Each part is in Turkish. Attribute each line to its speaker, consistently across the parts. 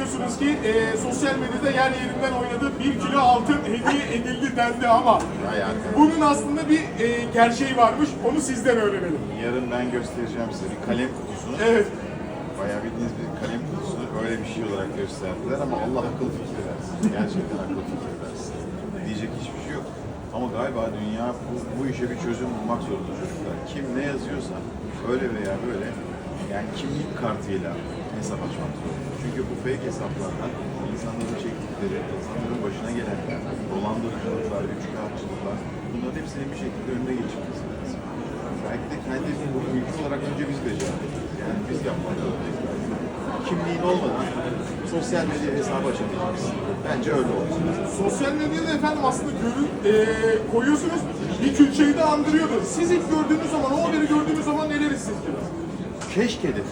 Speaker 1: biliyorsunuz ki sosyal medyada yer yerinden oynadığı 1 kilo altın hediye edildi dendi ama bunun aslında bir gerçeği varmış. Onu sizden öğrenelim.
Speaker 2: Yarın ben göstereceğim size bir kalem kutusunu.
Speaker 1: Evet.
Speaker 2: Bayağı bildiğiniz bir kalem kutusunu öyle bir şey olarak gösterdiler ama Allah akıl fikir versin. Gerçekten akıl fikir versin. Diyecek hiçbir şey yok. Ama galiba dünya bu işe bir çözüm bulmak zorunda çocuklar. Kim ne yazıyorsa öyle veya böyle yani kimlik kartıyla hesap açmak zorunda. Çünkü bu fake hesaplardan insanların çektikleri, insanların başına gelenler, dolandırıcılıklar, üçkağıtçılıklar bunların hepsinin bir şekilde önüne geçilmesi lazım. Belki de kendi bunu ülke olarak önce biz becermeliyiz. Yani biz yapmak zorundayız. Kimliğin olmadan sosyal medya hesabı açamayacaksın. Bence öyle olsun.
Speaker 1: Sosyal medyada efendim aslında koyuyorsunuz, bir külçeyi de andırıyordu. Siz ilk gördüğünüz zaman, o haberi gördüğünüz zaman neler hissettiniz?
Speaker 2: Keşke dedim.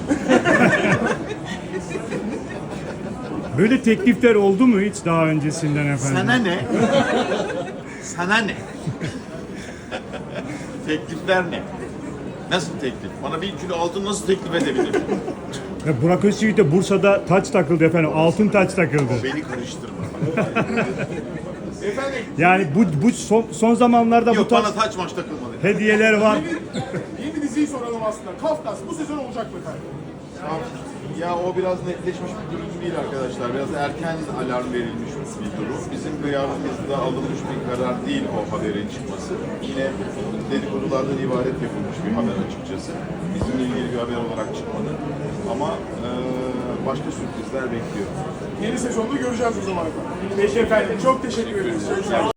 Speaker 3: Böyle teklifler oldu mu hiç daha öncesinden efendim?
Speaker 2: Sana ne? Sana ne? Teklifler ne? Nasıl teklif? Bana 1 kilo altın nasıl teklif edebilirim?
Speaker 3: Ya Burak Özçivit de Bursa'da taç takıldı efendim. Altın taç takıldı.
Speaker 2: Beni karıştırma.
Speaker 1: Efendim,
Speaker 3: Yani bu son zamanlarda bu
Speaker 2: Yok
Speaker 3: tarz
Speaker 2: bana taç maç takılmadı.
Speaker 3: hediyeler var.
Speaker 1: yeni diziyi soralım aslında. Kafkas bu sezon olacak mı efendim?
Speaker 2: Ya o biraz netleşmiş bir durum değil arkadaşlar. Biraz erken alarm verilmiş bir durum. Bizim duyarlılığımızda alınmış bir karar değil o haberin çıkması. Yine dedikodulardan ibaret yapılmış bir haber açıkçası. Bizimle ilgili bir haber olarak çıkmadı. Ama başka sürprizler bekliyor.
Speaker 1: Yeni sezonda göreceğiz o zaman efendim. Peki efendim, çok teşekkür ederiz.